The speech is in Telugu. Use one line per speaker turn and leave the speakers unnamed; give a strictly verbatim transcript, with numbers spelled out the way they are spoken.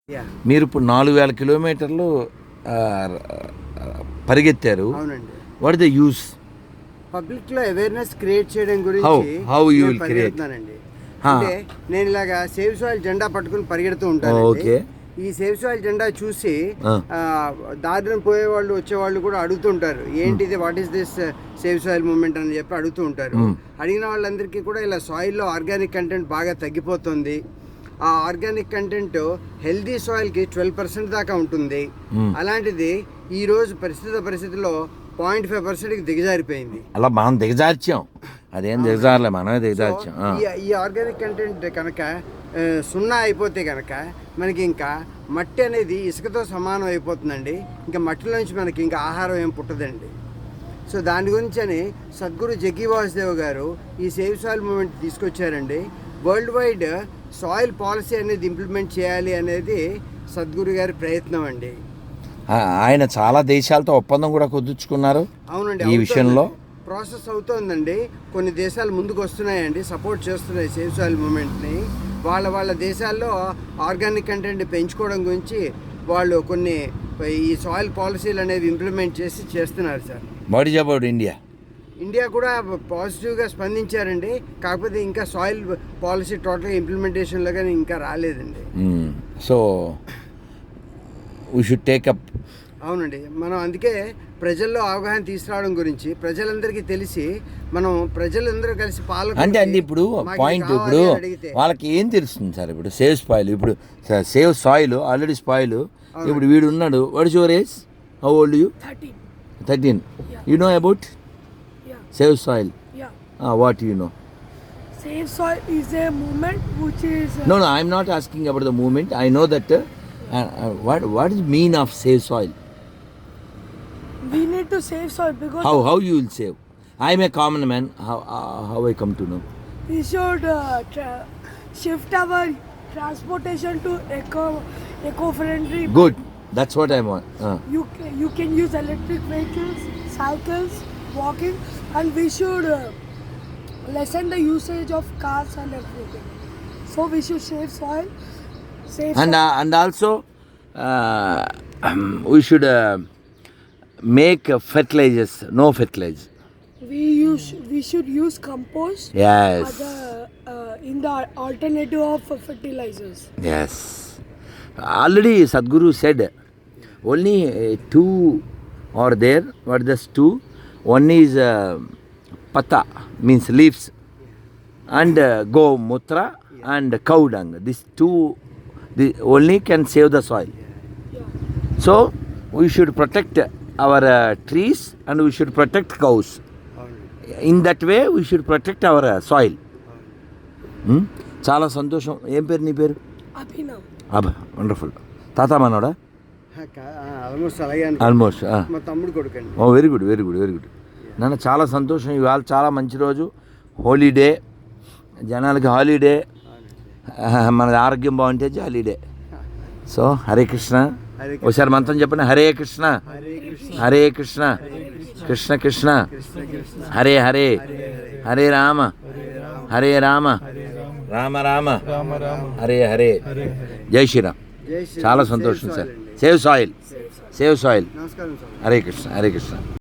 యాహ్!
మీరిప్పుడు నాలుగు వేల కిలోమీటర్లు ఆహ్, పరిగెత్తారు.
అవునండి.
What the use?
పబ్లిక్‌లో అవేర్‌నెస్ క్రియేట్ చేయడం
హౌ
గురించి
హౌ యూ
నేను
విల్ క్రియేట్?
పరిగెడుతున్నానండి. అంటే నేను ఇలాగా సేవ్ సాయిల్ జెండా పట్టుకుని పరిగెడుతూ
ఓకే.
ఉంటానండి. ఈ సేవ్ సాయిల్ జెండా చూసి
ఆ!
ఆహ్, దారిన పోయేవాళ్ళు, వచ్చేవాళ్ళు కూడా అడుగుతుంటారు. ఏంటిది, what is this save soil movement అని చెప్పి అడుగుతూ ఉంటారు.
హ్మ్.
అడిగిన వాళ్ళందరికీ కూడా ఇలా సాయిల్‌లో ఆర్గానిక్ కంటెంట్ బాగా తగ్గిపోతుంది. ఆ ఆర్గానిక్ కంటెంట్ హెల్దీ సాయిల్‌కి ట్వెల్వ్ పర్సెంట్ దాకా ఉంటుంది.
హ్మ్.
అలాంటిది ఈరోజు ప్రస్తుత పరిస్థితిలో పాయింట్ ఫైవ్ పర్సెంట్కి దిగజారిపోయింది.
అలా మనం దిగజార్చాం. అదేం దిగజారలే, మనమే దిగజార్చాం. ఆ!
ఈ ఈ ఆర్గానిక్ కంటెంట్ కనుక ఆ, సున్నా అయిపోతే కనుక మనకి ఇంకా మట్టి అనేది ఇసుకతో సమానం అయిపోతుందండి. ఇంకా మట్టిలోంచి మనకి ఇంకా ఆహారం ఏం పుట్టదండి. సో దాని గురించి అని సద్గురు జగ్గి వాసుదేవ్ గారు ఈ సేవ్ సాయిల్ మూవ్మెంట్ తీసుకొచ్చారండి. వరల్డ్ వైడ్ సాయిల్ పాలసీ అనేది ఇంప్లిమెంట్ చేయాలి అనేది సద్గురు గారి ప్రయత్నం అండి.
ఆ, ఆయన చాలా దేశాలతో ఒప్పందం కూడా కుదుర్చుకున్నారు
అవునండి.
ఈ విషయంలో.
ప్రాసెస్ అవుతోందండి. కొన్ని దేశాలు ముందుకు వస్తున్నాయండి, సపోర్ట్ చేస్తున్నాయి సేవ్ సాయిల్ మూమెంట్ని. వాళ్ళ వాళ్ళ దేశాల్లో ఆర్గానిక్ కంటెంట్ పెంచుకోవడం గురించి వాళ్ళు కొన్ని ఈ సాయిల్ పాలసీలు అనేవి ఇంప్లిమెంట్ చేసి చేస్తున్నారు sir.
What is about India?
India కూడా పాజిటివ్గా స్పందించారండి. కాకపోతే ఇంకా సాయిల్ పాలసీ టోటల్గా ఇంప్లిమెంటేషన్లో కానీ ఇంకా రాలేదండి.
So we should take up.
అవునండి. మనం అందుకే ప్రజల్లో అవగాహన తీసుకురావడం గురించి ప్రజలందరికీ తెలిసి మనం ప్రజలందరూ కలిసి పాలన
అంటే అండి ఇప్పుడు పాయింట్, ఇప్పుడు వాళ్ళకి ఏం తెలుస్తుంది సార్? ఇప్పుడు సేవ్ స్పాయిల్, ఇప్పుడు సేవ్ సాయిల్ ఆల్రెడీ స్పాయిల్. ఇప్పుడు వీడు ఉన్నాడు, what is your age? How old you?
thirteen.
Thirteen.
Yeah.
You know about
Yeah.
Save soil?
Yeah.
What you know?
Save soil is a movement which is. Uh,
No, no, I'm not asking about the movement. I know that. Uh, uh, what what is mean of save soil?
We need to save soil because
How how you will save? I'm a common man. How uh, how I come to know?
we should uh, tra- shift our transportation to eco eco-friendly.
Good. That's what I want. Uh.
You ca- you can use electric vehicles, cycles, walking, and we should uh, lessen the usage of cars and everything. So we should save soil. Save
And
soil.
uh, and also uh, we should uh, make uh, fertilizers. No fertilizer.
we use we should use compost.
Yes.
As a, uh, in the alternative of fertilizers.
Yes. Already Sadhguru said only uh, two are there. What is this two? One is uh, pata, means leaves, and uh, go mutra and cow dung. These two the only can save the soil.
Yeah.
So we should protect our uh, trees and we should protect cows. In that way we should protect our uh, soil. Hmm? చాలా సంతోషం. ఏం పేరు నీ పేరు?
Abhinav.
అబ్బా, వండర్ఫుల్. తాత మనోడా?
ఆల్మోస్ట్ అలాగే
ఆల్మోస్ట్.
మా తమ్ముడు కొడుకండి.
Oh very good, very good, very good. నాన్న చాలా సంతోషం. ఇవాళ చాలా మంచి రోజు, హోలీడే, జనాలకి హాలిడే. మన ఆరోగ్యం బాగుంటే హాలిడే. సో హరే కృష్ణ.
హరే కృష్ణ.
ఒకసారి మంత్రం చెప్పండి. హరే కృష్ణ,
హరే కృష్ణ,
హరే కృష్ణ, కృష్ణ కృష్ణ,
కృష్ణ కృష్ణ,
హరే హరే, హరే రామ, హరే రామ, రామ రామ, హరే హరే, జై శ్రీరామ్.
జై శ్రీ
చాలా
రామ్.
సంతోషం
సేవ్
సార్.
సాయిల్ అండి.
Save soil, save soil.
నమస్కారం సార్.
హరే కృష్ణ, హరే కృష్ణ.